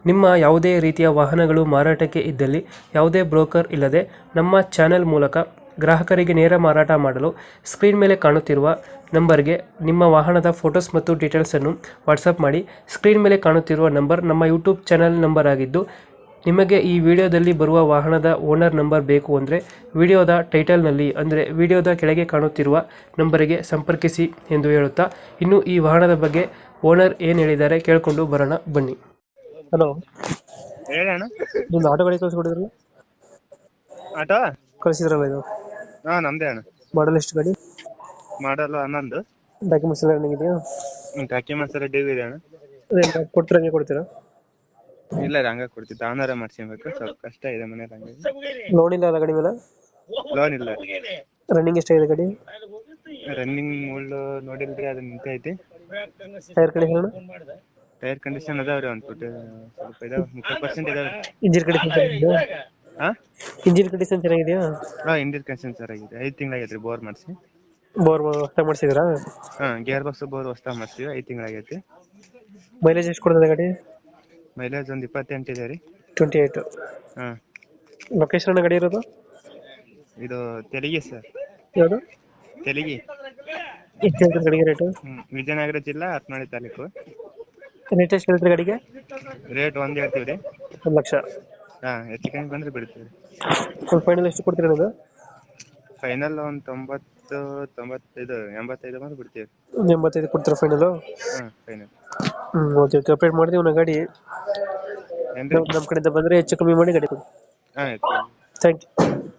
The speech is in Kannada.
ನಿಮ್ಮ ಯಾವುದೇ ರೀತಿಯ ವಾಹನಗಳು ಮಾರಾಟಕ್ಕೆ ಇದ್ದಲ್ಲಿ ಯಾವುದೇ ಬ್ರೋಕರ್ ಇಲ್ಲದೆ ನಮ್ಮ ಚಾನೆಲ್ ಮೂಲಕ ಗ್ರಾಹಕರಿಗೆ ನೇರ ಮಾರಾಟ ಮಾಡಲು ಸ್ಕ್ರೀನ್ ಮೇಲೆ ಕಾಣುತ್ತಿರುವ ನಂಬರ್ಗೆ ನಿಮ್ಮ ವಾಹನದ ಫೋಟೋಸ್ ಮತ್ತು ಡೀಟೇಲ್ಸನ್ನು ವಾಟ್ಸಪ್ ಮಾಡಿ. ಸ್ಕ್ರೀನ್ ಮೇಲೆ ಕಾಣುತ್ತಿರುವ ನಂಬರ್ ನಮ್ಮ ಯೂಟ್ಯೂಬ್ ಚಾನೆಲ್ ನಂಬರ್ ಆಗಿದ್ದು, ನಿಮಗೆ ಈ ವಿಡಿಯೋದಲ್ಲಿ ಬರುವ ವಾಹನದ ಓನರ್ ನಂಬರ್ ಬೇಕು ಅಂದರೆ ವಿಡಿಯೋದ ಟೈಟಲ್ನಲ್ಲಿ ಅಂದರೆ ವಿಡಿಯೋದ ಕೆಳಗೆ ಕಾಣುತ್ತಿರುವ ನಂಬರಿಗೆ ಸಂಪರ್ಕಿಸಿ ಎಂದು ಹೇಳುತ್ತಾ, ಇನ್ನು ಈ ವಾಹನದ ಬಗ್ಗೆ ಓನರ್ ಏನು ಹೇಳಿದ್ದಾರೆ ಕೇಳಿಕೊಂಡು ಬರೋಣ ಬನ್ನಿ. ಹಲೋ, ಹೇಳಣ್ಣ. ನಿಮ್ದು ಆಟೋ ಗಾಡಿ ಕಳಿಸ್ಕೊಡಿದ್ರಲ್ಲ, ಆಟೋ ಕಳಿಸಿದ್ರಲ್ಲ ಇದು ಹಾ ನಮ್ದೇ ಅಣ್ಣ. ಮಾಡಲ್ ಎಷ್ಟು ಗಾಡಿ? ಮಾಡಲ್ಲ 11. ಡಾಕ್ಯುಮೆಂಟ್ಸ್ ಎಲ್ಲ ರನ್ನಿಂಗ್ ಇದೆಯಾ? ಡಾಕ್ಯುಮೆಂಟ್ಸ್ ಎಲ್ಲ ಡ್ಯೂ ಇದೆ ಅಣ್ಣ. ಕೊಡ್ತೀರಾ, ಹಂಗೆ ಕೊಡ್ತೀರಾ? ಇಲ್ಲ ರೀ, ಹಂಗ ಕೊಡ್ತಿದ್ದ ಆನರ ಮಾಡ್ಸ್ಕೊಬೇಕು. ಸ್ವಲ್ಪ ಕಷ್ಟ ಇದೆ ಮನೇಲಿ, ಹಂಗಾಗಿ. ಲೋನ್ ಇಲ್ಲ ಅಲ್ಲ ಗಾಡಿ ಮೇಲೆ? ಲೋನ್ ಇಲ್ಲ. ರನ್ನಿಂಗ್ ಎಷ್ಟಾಗಿದೆ ಗಾಡಿ? ರನ್ನಿಂಗ್ ಮುಳ್ಳು ನೋಡಿಲ್ರಿ, ಅದು ನಿಂತೈತಿ. Tyre condition? ಟೈರ್ ಕಂಡೀಷನ್ ಅದಾವ್ರಿ, ಸ್ವಲ್ಪ ಇದಾವ, 30% ಇದಾವೆ. ಇಂಜಿನ್ ಕಂಡೀಷನ್ ಚೆನ್ನಾಗಿದೆಯಾ? ಹಾ ಇಂಜಿನ್ ಕಂಡೀಷನ್ ಚೆನ್ನಾಗಿದೆಯಾ? ಇಂಡಿಯನ್ ಕಂಡೀಷನ್ ಚೆನ್ನಾಗಿದೆ. 5 ತಿಂಗಳಾಗೈತ್ರಿ ಬೋರ್ ಮಾಡಿಸಿ. ಬೋರ್ ಹೊಸ ಮಾಡಿಸಿದ್ರಾ? ಗೇರ್ ಬಾಕ್ಸ್ ಬೋರ್ ಹೊಸ್ತಾ ಮಾಡ್ತೀವಿ. 5 ತಿಂಗಳಾಗೈತಿ. ಮೈಲೇಜ್ ಎಷ್ಟು ಕೊಡ್ತದೆ ಗಾಡಿ? ಮೈಲೇಜ್ ಒಂದು 28 ಇದೆ ರೀ. 28. ಹಾ ಲೊಕೇಶನ್ ಗಾಡಿ ಇರೋದು? ಇದು ತೆಲಿಗಿ ಸರ್. ಯಾವುದು? ತೆಲಿಗಿ. ಎಷ್ಟು ಹೇಳ್ತಾರೆ ಗಾಡಿಗೆ ರೇಟು? ವಿಜಯನಗರ ಜಿಲ್ಲಾ ಹತ್ನಾಳಿ ತಾಲೂಕು. ರೇಟ್ ಎಷ್ಟು ಹೇಳ್ತಾರೆ ಗಾಡಿಗೆ? ರೇಟ್ 1 ಹೇಳ್ತೀವಿ ರೀ. 1,00,000. ಹೆಚ್ಚು ಕಮ್ಮಿ ಬಂದ್ರೆ ಬಿಡ್ತೀವಿ. ಫುಲ್ ಫೈನಲ್ ಎಷ್ಟು ಕೊಡ್ತೀರಾ ಅದು? ಫೈನಲ್ ಒಂದು 90, 95, 85 ಬಂದ್ರೆ ಬಿಡ್ತೀವಿ. 85 ಕೊಡ್ತೀರಾ final? Final. Okay okay, update ಮಾಡ್ತೀವಿ ನಾವು ಗಾಡಿ. ಏನ್ರಿ? ನಮ್ಮ ಕಡೆಯಿಂದ ಬಂದರೆ ಹೆಚ್ಚು ಕಮ್ಮಿ ಮಾಡಿ ಗಾಡಿ ಕೊಡಿ. ಆಯ್ತು. Thank you.